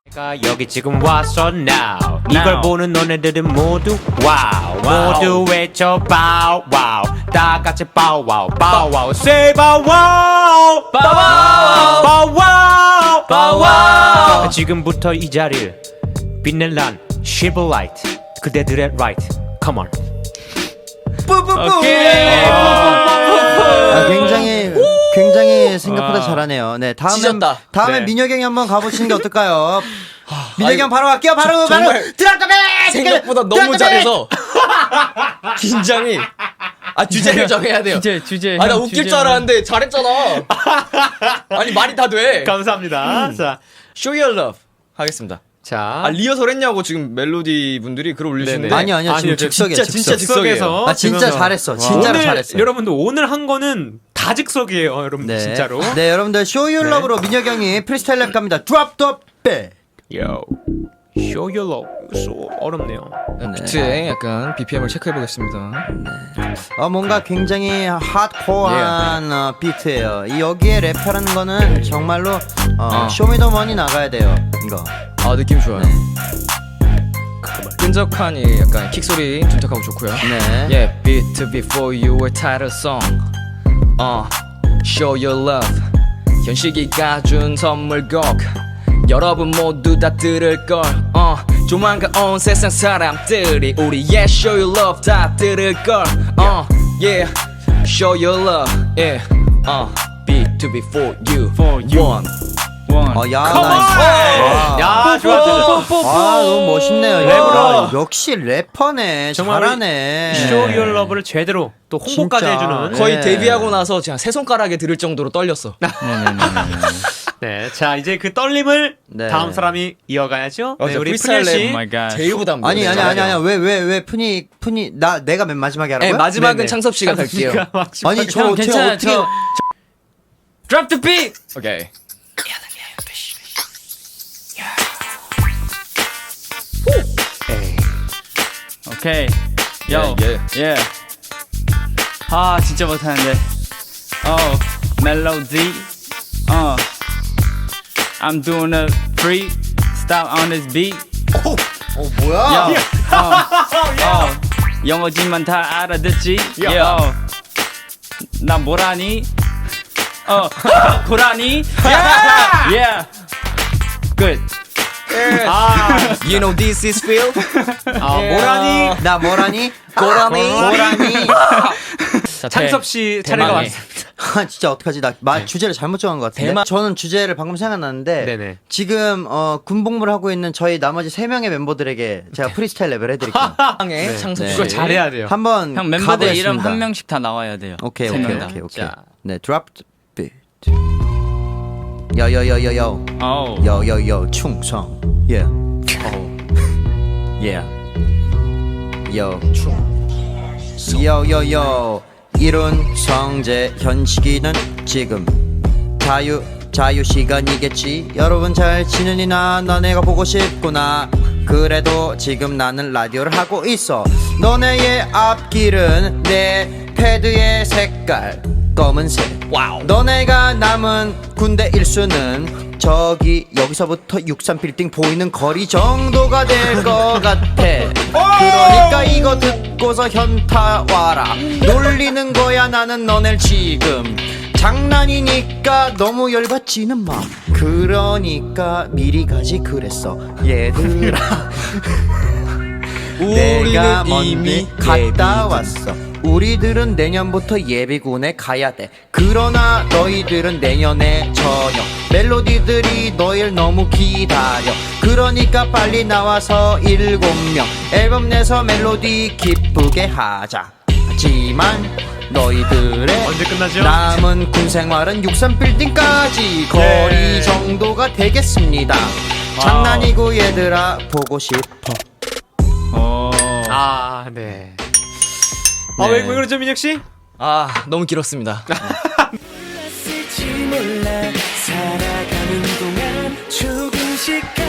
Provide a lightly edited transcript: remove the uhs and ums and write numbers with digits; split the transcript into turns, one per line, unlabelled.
여기 지금 왔어 now. 이걸 보는 너네들은 모두 와우. 모두 외쳐 바우 와우. 다 같이 바우 와우 바우 와우. Say 바우 와우 바우 와우 바우 와우 바우 와우. 지금부터 이 자리를 빛낼 난 Shiver Light. 그대들의 right. Come on.
뿌뿌뿌. 굉장히 생각보다 잘하네요. 네, 다음에
네.
민혁이 형이 한번 가보시는 게 어떨까요? 민혁이 형 바로 갈게요. 바로 드랍더맨.
생각보다 너무 잘해서 긴장이. 주제를 정해야 돼요.
주제.
나 웃길 줄 알았는데 잘했잖아. 아니 말이 다 돼.
감사합니다. 자,
Show Your Love 하겠습니다.
자.
리허설 했냐고 지금 멜로디 분들이 글 올리시는데.
아니요, 지금 즉석이에요.
진짜 즉석에서.
진짜 잘했어. 진짜로 잘했어.
여러분들 오늘 한 거는 다 즉석이에요, 여러분들 진짜로.
네, 여러분들 Show Your Love로 민혁이 형이 프리스타일 랩 갑니다. Drop the beat.
Yo, show your love. 어렵네요.
비트에 약간 BPM을 체크해 보겠습니다.
뭔가 굉장히 핫코어한 비트예요. 여기에 랩하는 거는 정말로 쇼미더머니 나가야 돼요. 이거.
느낌 좋아요. 끈적하니 약간 킥 소리 둔탁하고 좋고요.
네.
Yeah, beat before you were title song. Show your love. 현식이가 준 선물곡. 여러분 모두 다 들을 걸. 조만간 온 세상 사람들이 우리의 Show your love 다 들을 걸. Yeah, show your love. Yeah, beat before you. One.
야, 좋아.
너무 멋있네요.
랩으로.
역시 래퍼네.
정말
잘하네.
Show your love를 제대로 또 홍보까지
진짜.
해주는.
거의
네.
데뷔하고 나서 그냥 세 손가락에 들을 정도로 떨렸어.
네, 자 이제 그 떨림을
네.
다음 사람이 이어가야죠. 네, 우리
프리스타일
푸니 씨.
랩 제일 부담.
아니 왜 푸니 내가 맨 마지막에 하라고요?
네, 마지막은
네네.
창섭 씨가 갈게요.
아니 저
형,
어떻게
괜찮아요. Drop the beat.
오케이.
오케이. Yo. Yeah. 진짜 못하는데. 멜로디. I'm doing a free stop on this beat.
뭐야?
영어지만 다 알아듣지. Yo. 나 뭐라니? 고라니? Yeah. Good.
You know this is Phil.
모라니.
나 뭐라니?
고라니.
창섭 씨 차례가
대망의.
왔습니다.
진짜 어떡하지? 나 주제를 잘못 정한 것 같은데. 저는 주제를 방금 생각났는데
네네.
지금 군복무를 하고 있는 저희 나머지 3명의 멤버들에게 제가 프리스타일 랩을 해드릴게요.
의 창섭 씨.
이거 잘해야 돼요.
한번
형 멤버들
가보겠습니다.
이름 한 명씩 다 나와야 돼요.
오케이.
자.
네, drop the beat. 요요요요요. 요요요 충성. Yeah. Yeah. 요. 요요요. 이룬 성재 현식이는 지금 자유 시간이겠지. 여러분 잘 지내니나? 너네가 보고 싶구나. 그래도 지금 나는 라디오를 하고 있어. 너네의 앞길은 내 패드의 색깔 검은색.
와우.
너네가 남은 군대 일수는 여기서부터 63빌딩 보이는 거리 정도가 될 것 같아. 그러니까 이거 듣고서 현타 와라. 놀리는 거야 나는 너넬 지금. 장난이니까 너무 열받지는 마. 그러니까 미리 가지 그랬어 얘들아. 내가 먼저 갔다 왔어. 우리들은 내년부터 예비군에 가야 돼. 그러나 너희들은 내년에 저녁. 멜로디들이 너희를 너무 기다려. 그러니까 빨리 나와서 7명 앨범 내서 멜로디 기쁘게 하자. 하지만 너희들의
언제 끝나죠?
남은 군 생활은 63빌딩까지 거리 정도가 되겠습니다. 장난이고 얘들아 보고 싶어.
네. 왜 그러죠, 민혁 씨?
너무 길었습니다.
몰라 살아가는 동안 조금씩